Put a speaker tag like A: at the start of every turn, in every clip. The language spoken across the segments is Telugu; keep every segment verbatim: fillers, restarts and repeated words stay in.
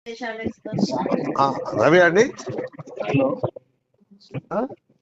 A: ఆ, రవి అండి.
B: హలో
A: ఆ?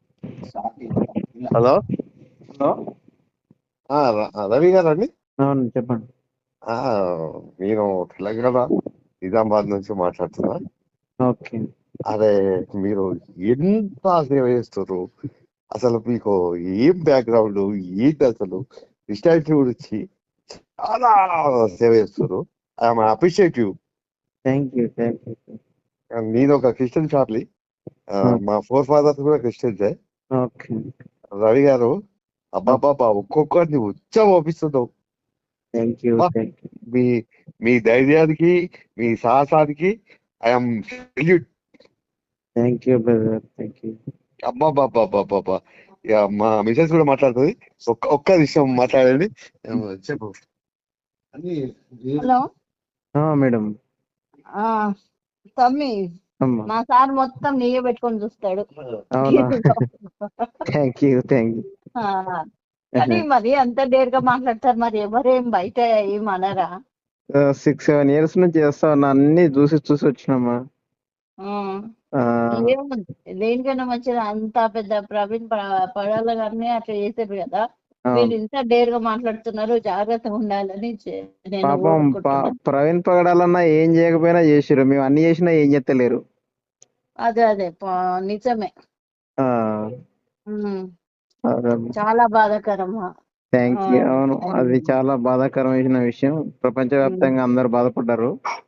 A: హలో
B: హలో
A: ఆ, ర- రవి గారు అండి.
B: అవును చెప్పండి.
A: ఆ, నేను తెలంగాణ నిజామాబాద్ నుంచి మాట్లాడుతున్నా.
B: ఓకే.
A: అదే, మీరు ఎంత సేవ చేస్తారు అసలు, మీకు ఏం బ్యాక్గ్రౌండ్ ఏంటి అసలు, క్రిస్టియానిటీ గురించి చాలా సేవ చేస్తారు. I'm appreciative.
B: Thank you thank you
A: నేను ఒక క్రిస్టియన్ ఫ్యామిలీ, మా ఫోర్ ఫాదర్స్ కూడా క్రిస్టియన్సే.
B: ఓకే.
A: రవి గారు, అబ్బాబాబా ఒక్కొక్కరిని ఉచ్చ పంపిస్తున్నావు.
B: థ్యాంక్ యూ
A: బా,
B: థ్యాంక్ యూ
A: మీ మీ ధైర్యానికి, మీ సాహసానికి I'm salute.
B: Thank you brother thank you.
A: అబ్బాబాబాబాబా. ఇక మా మిసెస్ కూడా మాట్లాడుతుంది. ఒక్క ఒక్క విషయం మాట్లాడండి. ఏమో చెప్పు అని.
C: Hello
B: madam.
C: ఆ తమ్మి,
B: అమ్మా
C: మా సార్ మొత్తం నీయే పెట్టుకొని చూస్తాడు.
B: అవునా? Thank you thank you.
C: ఆ, కానీ మరి అంత డేర్ గా మాట్లాడతారు, మరి ఎవరేం బయట ఏం అనరా?
B: సిక్స్ సెవెన్ ఇయర్స్ నుంచి చేస్తా ఉన్నా, అన్ని చూసి చూసి వచ్చినామా.
C: ఆ,
B: ఆ,
C: ఏముంది, దేనికైనా మంచిది. అంత పెద్ద ప్రవీణ్ ప- పడాల గారిని అట్లా చేసారు కదా, మీరు
B: అవును.
C: ఇంత డేర్ గా మాట్లాడుతున్నారు. జాగ్రత్తగా ఉండాలని చే- నేను
B: పాపం ప-
C: కోరుకుంటున్నా.
B: ప్రవీణ్ పగడాలన్నా ఏం చేయకపోయినా చేసిరు, మేము అన్ని చేసినా ఏం చేస్తలేరు.
C: అదే అదే ప- నిజమే.
B: ఆ,
C: ఉమ్,
B: అదే.
C: చాలా బాధాకరం.
B: Thank you. అవును, అది చాలా బాధాకరమైన విషయం. ప్రపంచవ్యాప్తంగా అందరు బాధపడ్డారు.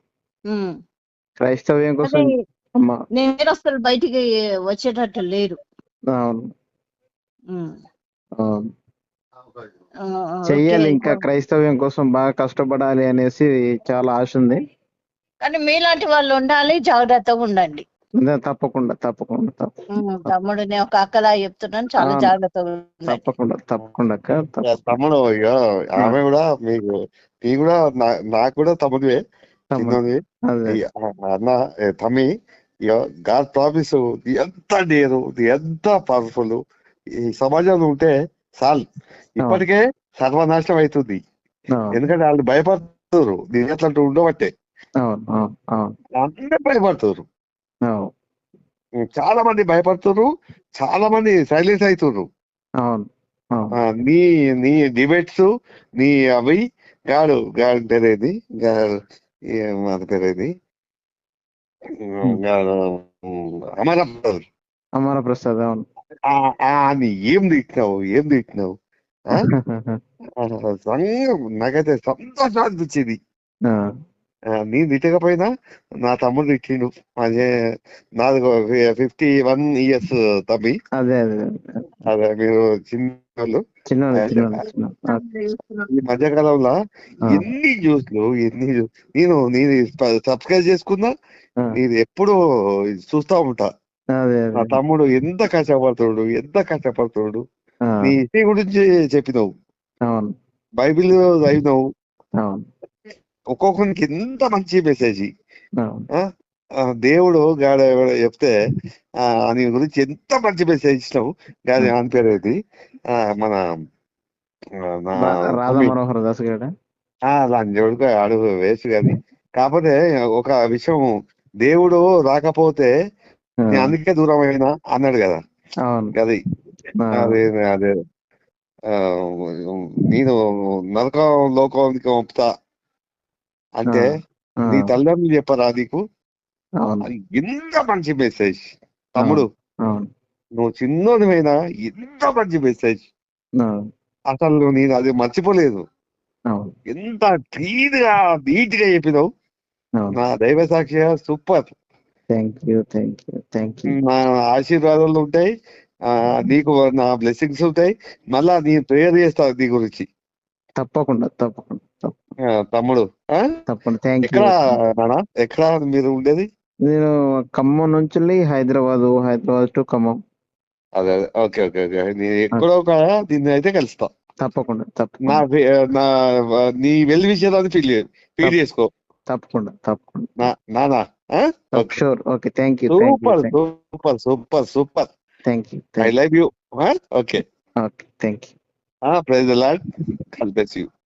B: క్రైస్తవ్యం కోసం.
C: కానీ
B: అమ్మా
C: నేను అసలు బయటికి వచ్చేటట్టు లేరు.
B: అవును
C: ఉమ్.
B: అవును.
C: ఆ,
B: చెయ్యాలి,
C: ఓకే.
B: ఇంకా క్రైస్తవ్యం కోసం బాగా కష్టపడాలి అనేసి చాలా ఆశ ఉంది.
C: కానీ మీలాంటి వాళ్ళు ఉండాలి, జాగ్రత్తగా ఉండండి.
B: అదే, తప్పకుండా తప్పకుండా తప్పకుండా
C: ఉమ్, తమ్ముడు, నేను ఒక అక్కలా చెప్తున్నాను, చాలా
B: అవును,
C: జాగ్రత్తగా ఉండండి.
B: తప్పకుండా తప్పకుండా అక్క,
A: ఇక
B: తప్పకుండా.
A: తమ్ముడు, ఇక ఆమె కూడా మీకు, నీ కూడా నా- నాకు కూడా తమ్ముడివే,
B: తమ్ముడు.
A: చిన్నది.
B: అదే
A: ఇక అన్న, ఏ తమ్మి, ఇక గాడ్ ప్రామిస్, ఎంత డేరు, ఎంత పవర్ఫుల్ ఈ సమాజంలో ఉంటే చాలు. ఇప్పటికే సర్వనాశనం అవుతుంది.
B: అవును
A: ఎందుకంటే వాళ్ళు భయపడుతున్నారు, నేను అట్లాంటి ఉండబట్టే
B: అవును అవును అవును
A: అందరూ భయపడుతున్నారు.
B: అవును
A: చాలా మంది భయపడుతున్నారు, చాలా మంది సైలెన్స్ అవుతున్నారు.
B: అవును అవును
A: ఆ, నీ నీ డిబేట్స్, నీ అవి గాడు గాడి పేరేది, గాడు ఏ- మన పేరేది, గాడు అమరప్రసాద్.
B: అమర ప్రసాద్. అవును.
A: ఆ, ఆ, నీ ఏం తిట్టినావు, ఏం తిట్టినావు. ఆ? ఆ, సంగ- నాకైతే సంతోషం అనిపించింది.
B: ఆ,
A: ఆ, నేను తిట్టకపోయినా నా తమ్ముడు తిట్టిండు. అదే, నాది ఫిఫ్టీ వన్ ఇయర్స్ తమ్మి.
B: అదే అదే
A: అదే, మీరు చిన్నోళ్ళు.
B: చిన్న
A: అయితే
B: చిన్న చిన్న
A: ఈ మధ్యకాలంలో ఎన్ని న్యూస్లు, ఎన్ని న్యూస్- నేను నేను సబ్స్క్రైబ్ చేసుకున్నా, నేను ఎప్పుడు చూస్తా ఉంటా.
B: అదే
A: నా
B: అదే
A: తమ్ముడు ఎంత కష్టపడుతున్నాడు, ఎంత కష్టపడుతున్నాడు.
B: ఆ,
A: నీ హిస్టరీ గురించి చెప్పినావు,
B: అవును
A: బైబిల్ చదివినావు.
B: అవును
A: ఒక్కొక్కరికి ఎంత మంచి మెసేజ్.
B: అవును
A: ఆ? ఆ, దేవుడు గాడ ఎవడో చెప్తే ఆ నీ గురించి ఎంత మంచి మెసేజ్ ఇచ్చినావు. గాడి అని పేరు ఏంటి? ఆ, మన ఆ, నా
B: రా- రాధా
A: తమ్మి.
B: మనోహర్ దాస్ గారు.
A: ఆ, లంజోడుకు అడుగు వేస్ట్ కానీ. కాకపోతే ఒక విషయం, దేవుడు రాకపోతే నేను అందుకే దూరం అయినా అన్నాడు కదా.
B: అవును.
A: అది
B: ఆ,
A: అదే అదే ఆ, నేను నరకం లోకానికి పంపుతా అంటే
B: ఆ,
A: నీ తల్లిదండ్రులు చెప్పరా నీకు?
B: అవును
A: అది ఎంత మంచి మెసేజ్
B: అవును
A: తమ్ముడు.
B: అవును
A: నువ్వు చిన్నోడివైనా ఎంత మంచి మెసేజ్.
B: అవును
A: అసలు నేను అది మర్చిపోలేదు.
B: అవును
A: ఎంత క్లీన్ గా, నీట్ గా చెప్పినావు.
B: అవును.
A: నా దైవ సాక్షిగా super.
B: Thank you thank you thank you.
A: నా ఆశీర్వాదాలు ఉంటాయి, ఆ నీకు నా బ్లెస్సింగ్స్ ఉంటాయి. మళ్ళా నీ ప్రేయర్ చేస్తా నీ గురించి.
B: తప్పకుండా తప్పకుండా తప్పకుండా
A: ఆ, తమ్ముడు. ఆ?
B: తప్పకుండా. థ్యాంక్
A: ఎక్కడ
B: యూ.
A: నానా, ఎక్కడ మీరు ఉండేది?
B: నేను ఖమ్మం నుంచి హైదరాబాద్, హైదరాబాద్ టు ఖమ్మం.
A: అదే అదే, ఓకే ఓకే ఓకే. నేను ఎక్కడో ఒక దీన్ని అయితే కలుస్తా.
B: తప్పకుండా
A: నా
B: తప్పకుండా
A: ఫే- నా నీ వెల్ విషయాలని ఫీల్ ఫీల్ చేసుకో
B: తప్పకుండా తప్పకుండా.
A: నా నానా. Okay,
B: sure. Okay. Thank you thank you
A: super super super super.
B: Thank you
A: I
B: thank
A: love you. Okay,
B: okay thank you.
A: Praise the Lord. God bless you.